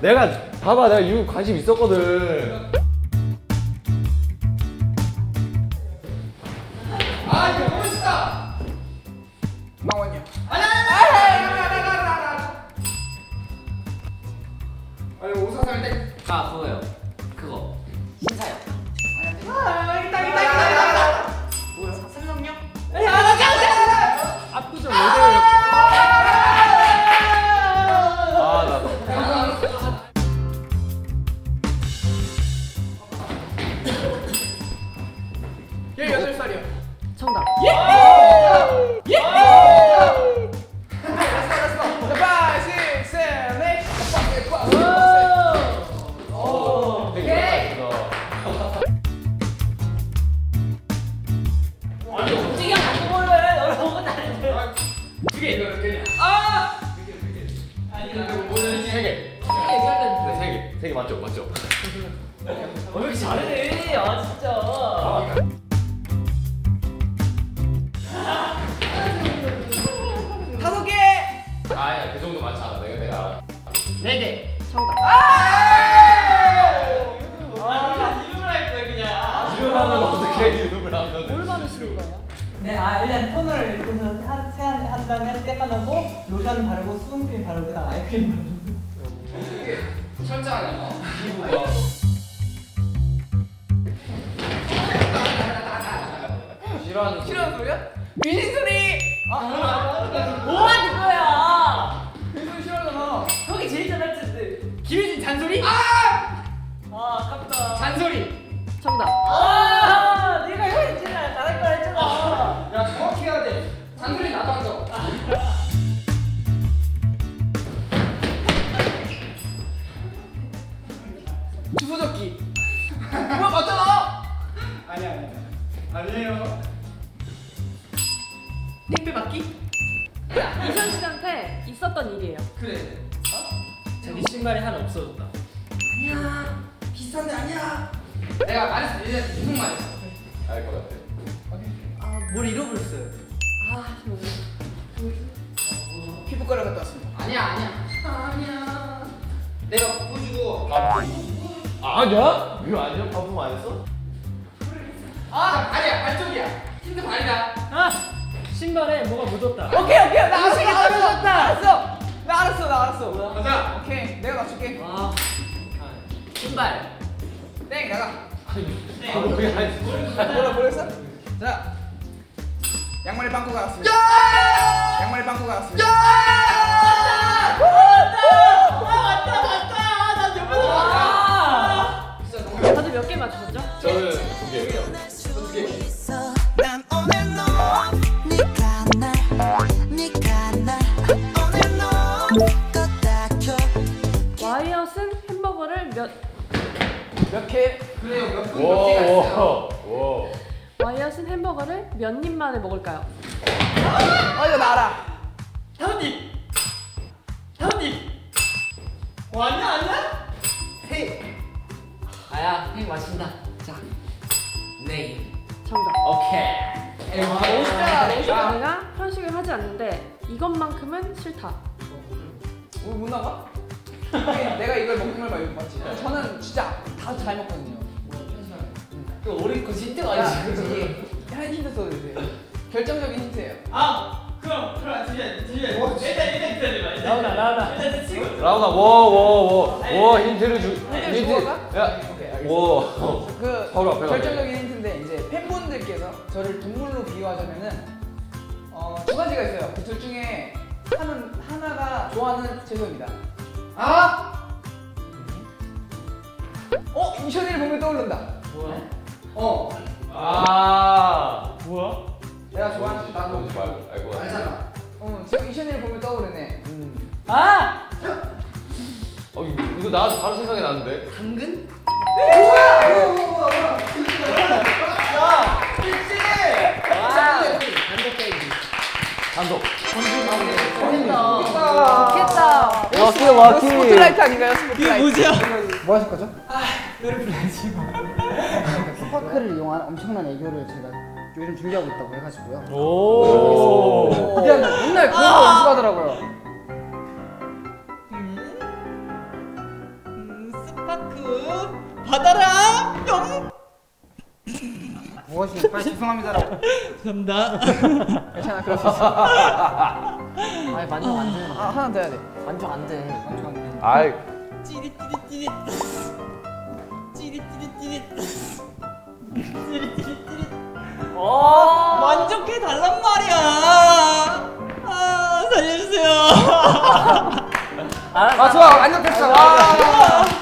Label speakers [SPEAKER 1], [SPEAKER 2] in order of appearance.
[SPEAKER 1] 내가 봐봐, 내가 유 관심 있었거든.
[SPEAKER 2] 아 이거 너무 멋있다. 망원이야. 아니 오사살 때.
[SPEAKER 3] 아 그거요. 그거 신사요.
[SPEAKER 2] 뭐야? 생명력?
[SPEAKER 1] 압구정 모델.
[SPEAKER 2] 나 18살이야.
[SPEAKER 4] 정답.
[SPEAKER 2] 예!
[SPEAKER 1] 세 개 맞죠? 맞죠?
[SPEAKER 3] 왜 이렇게 잘해? 아 진짜.
[SPEAKER 2] 다섯 개.
[SPEAKER 1] 아야, 그 정도 많지 않아. 내가.
[SPEAKER 3] 4개.
[SPEAKER 4] 정답.
[SPEAKER 3] 이름을 할 거야 그냥.
[SPEAKER 1] 이름 하면 어떻게 이름을 하면?
[SPEAKER 4] 뭘 바르시는 거예요?
[SPEAKER 5] 네, 일단 토너를 이렇게 해서 세안 다음에 떼까놓고 로션 바르고 수분크림 바르고 그다음 아이크림 바르고.
[SPEAKER 2] 철저하네. 싫어하는 소리야? 귀신 소리.
[SPEAKER 3] 뭐 하는 거야?
[SPEAKER 2] 귀신 소리 싫어하잖아.
[SPEAKER 3] 형이 제일 잘할 텐데. 김혜진 잔소리?
[SPEAKER 2] 아!
[SPEAKER 3] 아깝다.
[SPEAKER 2] 잔소리.
[SPEAKER 4] 정답.
[SPEAKER 3] 내가 형이 제일 잘할 거라 했잖아.
[SPEAKER 2] 야 정확히 해야 돼. 잔소리 나도 안 줘. 주소적기. 뭐야 맞잖아. 아니에요. 택배 받기?
[SPEAKER 4] 이현 씨한테 있었던 일이에요.
[SPEAKER 2] 그래.
[SPEAKER 3] 자기 신발이 하나 없어졌다.
[SPEAKER 2] 아니야. 비싼데 아니야. 내가 말했어. 얘한테 계속 말했어.
[SPEAKER 1] 알 것 같아.
[SPEAKER 3] 뭘 잃어버렸어요.
[SPEAKER 2] 피부과를 갔다 왔습니다. 아니야. 내가 보여주고.
[SPEAKER 1] 아니야? 이거 아니야? 바쁨 안 했어?
[SPEAKER 2] 발이야. 발 쪽이야. 힌트 발이다.
[SPEAKER 3] 신발에 뭐가 묻었다.
[SPEAKER 2] 오케이. 나 알았어. 나 알았어. 가자. 오케이. 내가 맞출게.
[SPEAKER 3] 신발.
[SPEAKER 2] 땡 나가.
[SPEAKER 1] 뭐야?
[SPEAKER 2] 뭐라 모르겠어? 자. 양말에 빵꾸가 왔습니다. 양말에 빵꾸가 왔습니다.
[SPEAKER 4] 다들 몇 개 맞추셨죠?
[SPEAKER 1] 저는 2개예요.
[SPEAKER 6] 난 오늘 너 네가 날 오늘 너
[SPEAKER 4] 와이엇은 햄버거를
[SPEAKER 2] 몇 개? 그래요. 몇 분 몇 개가 있어요.
[SPEAKER 1] 와.
[SPEAKER 4] 와이엇은 햄버거를 몇 입 만에 먹을까요?
[SPEAKER 2] 이거 나 알아.
[SPEAKER 3] 다운님. 아니야?
[SPEAKER 2] 세.
[SPEAKER 3] 아야, 형 마신다. 자, 네.
[SPEAKER 4] 정답.
[SPEAKER 3] 오케이.
[SPEAKER 2] 멋있다.
[SPEAKER 4] 내가 편식을 하지 않는데 이것만큼은 싫다.
[SPEAKER 2] 우리 못 나가? 내가 이걸 먹는 걸 말고 맞지? 저는 진짜 다 잘 먹거든요.
[SPEAKER 3] 그 우리 그 힌트가
[SPEAKER 2] 야,
[SPEAKER 3] 아니지.
[SPEAKER 2] 한 힌트 써주세요. 결정적인 힌트예요.
[SPEAKER 3] 그럼 일단 기다려봐. 나오나. 일단 치고.
[SPEAKER 1] 라우나, 워 힌트를 주. 힌트.
[SPEAKER 2] 주워가?
[SPEAKER 1] 야,
[SPEAKER 2] 오케이, 알겠습니다.
[SPEAKER 1] 워.
[SPEAKER 2] 그
[SPEAKER 1] 바로 앞에
[SPEAKER 2] 결정적인 힌트인데 이제 팬분들께서 저를 동물로 비유하자면은 두 가지가 있어요. 그 둘 중에 하나가 좋아하는 채소입니다. 이션이를 보면 떠오른다.
[SPEAKER 3] 뭐야?
[SPEAKER 1] 뭐야?
[SPEAKER 2] 내가 좋아하는 나도
[SPEAKER 1] 뭔지 알고 같아.
[SPEAKER 2] 알잖아. 지금 이션이를 보면 떠오르네.
[SPEAKER 1] 이거 나 바로 생각이 나는데.
[SPEAKER 3] 당근?
[SPEAKER 1] 단독.
[SPEAKER 4] 좋겠다.
[SPEAKER 2] 와키. 스포트라이트 아닌가요? 스포트라이트.
[SPEAKER 5] 뭐 하실 거죠? 노래 불러야지. 스파크를 이용한 엄청난 애교를 제가 요즘 준비하고 있다고 해가지고요.
[SPEAKER 1] 오.
[SPEAKER 5] 맨날 그런 거 연습하더라고요. 무엇이 빨리 죄송합니다라고.
[SPEAKER 7] 감사합니다.
[SPEAKER 2] 괜찮아, 그럴 수 있어.
[SPEAKER 3] 아니 만족 안 돼.
[SPEAKER 2] 아, 하나 더 해야 돼.
[SPEAKER 3] 만족 안 돼.
[SPEAKER 1] 아이
[SPEAKER 7] 찌릿찌릿찌릿. 찌릿찌릿찌릿. 찌릿찌릿찌릿. 만족해 달란 말이야. 아 살려주세요.
[SPEAKER 3] 알았어.
[SPEAKER 5] 아 좋아 안녕 됐어. 와.